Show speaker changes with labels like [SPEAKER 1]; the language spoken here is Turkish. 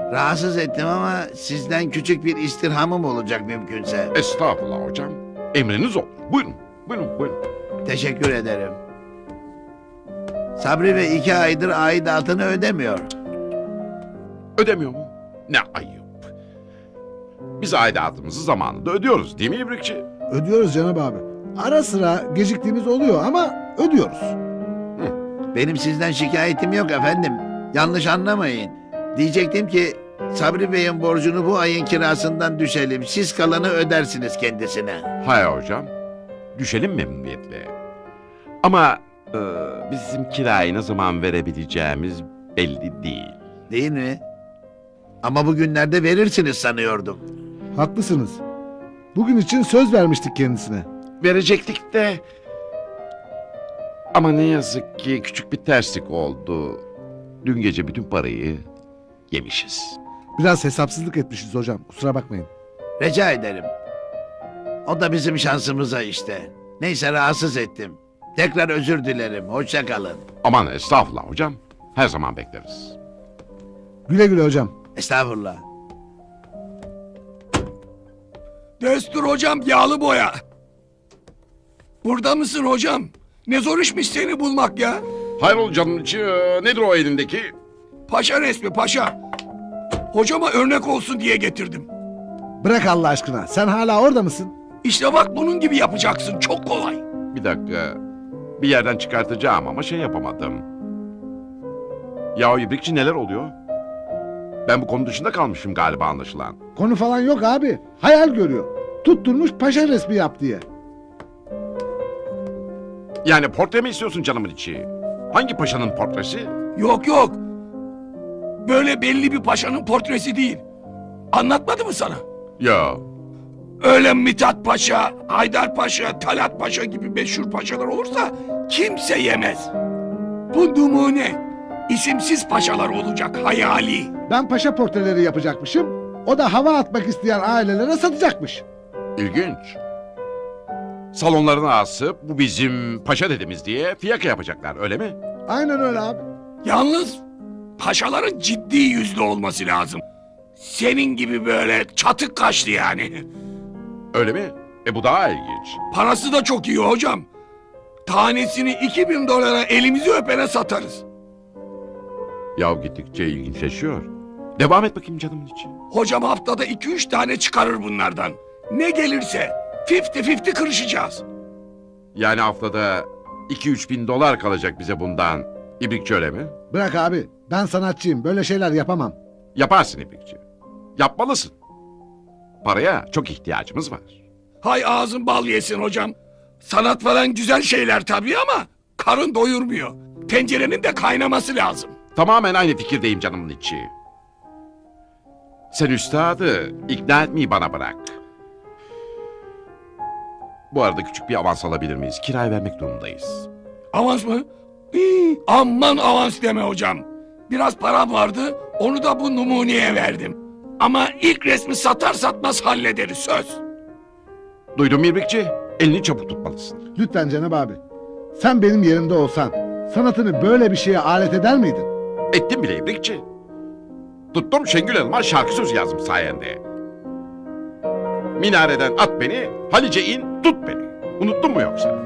[SPEAKER 1] Rahatsız ettim ama sizden küçük bir istirhamım olacak mümkünse.
[SPEAKER 2] Estağfurullah hocam. Emriniz olur. Buyurun. Buyurun. Buyurun.
[SPEAKER 1] Teşekkür ederim. Sabri Bey 2 aydır aidatını ödemiyor.
[SPEAKER 2] Ödemiyor mu? Ne ayıp. Biz aidatımızı zamanında ödüyoruz değil mi İbrikçi?
[SPEAKER 3] Ödüyoruz Cenab abi. Ara sıra geciktiğimiz oluyor ama ödüyoruz.
[SPEAKER 1] Benim sizden şikayetim yok efendim. Yanlış anlamayın. Diyecektim ki Sabri Bey'in borcunu bu ayın kirasından düşelim. Siz kalanı ödersiniz kendisine.
[SPEAKER 2] Hayır hocam. Düşelim memnuniyetle. Ama bizim kirayı ne zaman verebileceğimiz belli değil.
[SPEAKER 1] Değil mi? Ama bugünlerde verirsiniz sanıyordum.
[SPEAKER 3] Haklısınız. Bugün için söz vermiştik kendisine.
[SPEAKER 2] Verecektik de... Ama ne yazık ki küçük bir terslik oldu. Dün gece bütün parayı yemişiz.
[SPEAKER 3] Biraz hesapsızlık etmişiz hocam. Kusura bakmayın.
[SPEAKER 1] Rica ederim. O da bizim şansımıza işte. Neyse rahatsız ettim. Tekrar özür dilerim. Hoşça kalın.
[SPEAKER 2] Aman estağfurullah hocam. Her zaman bekleriz.
[SPEAKER 3] Güle güle hocam.
[SPEAKER 1] Estağfurullah.
[SPEAKER 4] Destur hocam yağlı boya. Burada mısın hocam? Ne zor işmiş seni bulmak ya.
[SPEAKER 2] Hayrola canın içi nedir o elindeki?
[SPEAKER 4] Paşa resmi paşa. Hocama örnek olsun diye getirdim.
[SPEAKER 3] Bırak Allah aşkına. Sen hala orada mısın?
[SPEAKER 4] İşte bak bunun gibi yapacaksın. Çok kolay.
[SPEAKER 2] Bir dakika. Bir yerden çıkartacağım ama şey yapamadım. Ya İbrikçi neler oluyor? Ben bu konu dışında kalmışım galiba anlaşılan.
[SPEAKER 3] Konu falan yok abi. Hayal görüyor. Tutturmuş paşa resmi yap diye.
[SPEAKER 2] Yani portre mi istiyorsun canımın içi? Hangi paşanın portresi?
[SPEAKER 4] Yok yok. Böyle belli bir paşanın portresi değil. Anlatmadı mı sana?
[SPEAKER 2] Ya
[SPEAKER 4] Öyle Mithat Paşa, Haydar Paşa, Talat Paşa gibi meşhur paşalar olursa kimse yemez. Bu numune isimsiz paşalar olacak hayali.
[SPEAKER 3] Ben paşa portreleri yapacakmışım. O da hava atmak isteyen ailelere satacakmış.
[SPEAKER 2] ilginç. Salonlarına asıp bu bizim paşa dedemiz diye fiyaka yapacaklar öyle mi?
[SPEAKER 3] Aynen öyle abi.
[SPEAKER 4] Yalnız paşaların ciddi yüzlü olması lazım. Senin gibi böyle çatık kaşlı yani.
[SPEAKER 2] Öyle mi? Bu daha ilginç.
[SPEAKER 4] Parası da çok iyi hocam. Tanesini 2000 dolara elimizi öpene satarız.
[SPEAKER 2] Ya gittikçe ilginçleşiyor. Devam et bakayım canımın içi.
[SPEAKER 4] Hocam haftada 2-3 tane çıkarır bunlardan. Ne gelirse 50-50 kırışacağız.
[SPEAKER 2] Yani haftada 2-3 bin dolar kalacak bize bundan. İbrikçi öyle mi?
[SPEAKER 3] Bırak abi. Ben sanatçıyım. Böyle şeyler yapamam.
[SPEAKER 2] Yaparsın İbrikçi. Yapmalısın. Paraya çok ihtiyacımız var.
[SPEAKER 4] Hay ağzın bal yesin hocam. Sanat falan güzel şeyler tabii ama karın doyurmuyor. Tencerenin de kaynaması lazım.
[SPEAKER 2] Tamamen aynı fikirdeyim canımın içi. Sen üstadı ikna etmeyi bana bırak. Bu arada küçük bir avans alabilir miyiz? Kirayı vermek durumundayız.
[SPEAKER 4] Avans mı? Hii, aman avans deme hocam. Biraz param vardı, onu da bu numuneye verdim. Ama ilk resmi satar satmaz hallederiz söz.
[SPEAKER 2] Duydun mu İbrikçi? Elini çabuk tutmalısın.
[SPEAKER 3] Lütfen Cenab abi. Sen benim yerimde olsan sanatını böyle bir şeye alet eder miydin?
[SPEAKER 2] Ettim bile İbrikçi. Tuttum Şengül Hanım'a şarkı sözü yazdım sayende. Minareden at beni, Halice in, tut beni. Unuttun mu yoksa?